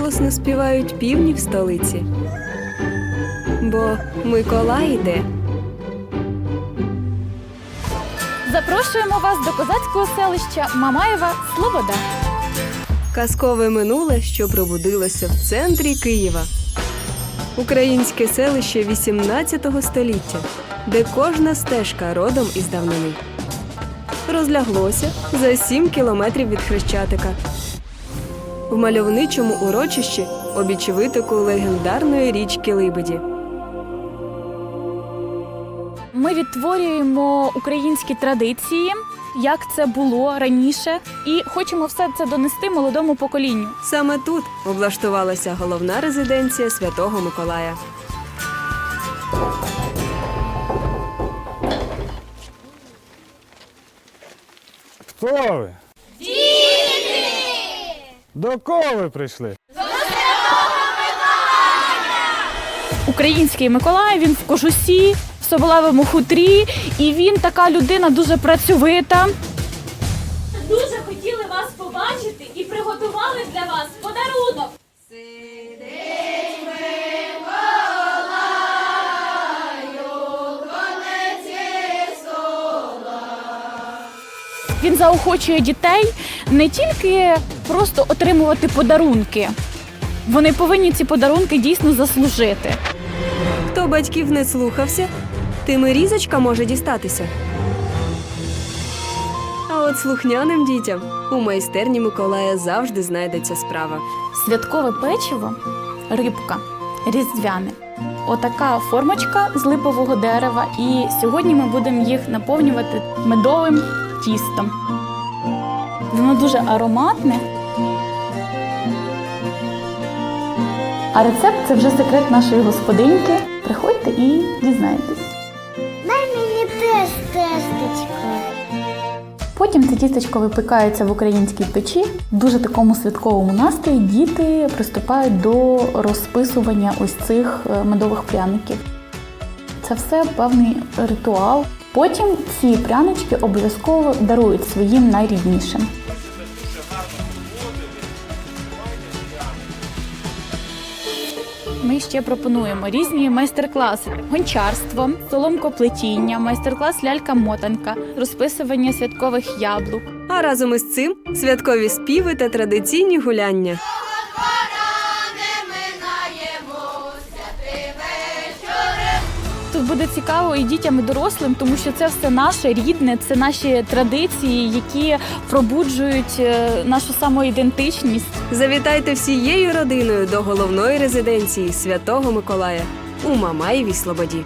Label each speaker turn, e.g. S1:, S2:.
S1: голосно співають півні в столиці. Бо Миколай іде.
S2: Запрошуємо вас до козацького селища Мамаєва Слобода.
S1: Казкове минуле, що пробудилося в центрі Києва. Українське селище 18 століття, де кожна стежка родом із давнини. Розляглося за 7 кілометрів від Хрещатика. В мальовничому урочищі обіч витоку легендарної річки Либеді.
S2: Ми відтворюємо українські традиції, як це було раніше, і хочемо все це донести молодому поколінню.
S1: Саме тут облаштувалася головна резиденція Святого Миколая.
S3: Хто ви? Діти! До кого ви прийшли?
S2: Український Миколай, він в кожусі, в соболевому хутрі, і він така людина дуже працьовита. Дуже хотіли вас побачити і приготували для вас подарунок. Він заохочує дітей не тільки просто отримувати подарунки. Вони повинні ці подарунки дійсно заслужити.
S1: Хто батьків не слухався, тим і різочка може дістатися. А от слухняним дітям у майстерні Миколая завжди знайдеться справа.
S2: Святкове печиво, рибка, різдвяне. Отака формочка з липового дерева. І сьогодні ми будемо їх наповнювати медовим тістом. Воно дуже ароматне. А рецепт – це вже секрет нашої господиньки. Приходьте і дізнайтесь.
S4: Дай мені теж тестечко.
S2: Потім це тістечко випікається в українській печі. В дуже такому святковому настрої діти приступають до розписування ось цих медових пряників. Це все певний ритуал. Потім ці прянички обов'язково дарують своїм найріднішим. Ми ще пропонуємо різні майстер-класи: гончарство, соломкоплетіння, майстер-клас лялька-мотанка, розписування святкових яблук.
S1: А разом із цим святкові співи та традиційні гуляння.
S2: Тут буде цікаво і дітям, і дорослим, тому що це все наше рідне, це наші традиції, які пробуджують нашу самоідентичність.
S1: Завітайте всією родиною до головної резиденції Святого Миколая у Мамаєвій Слободі.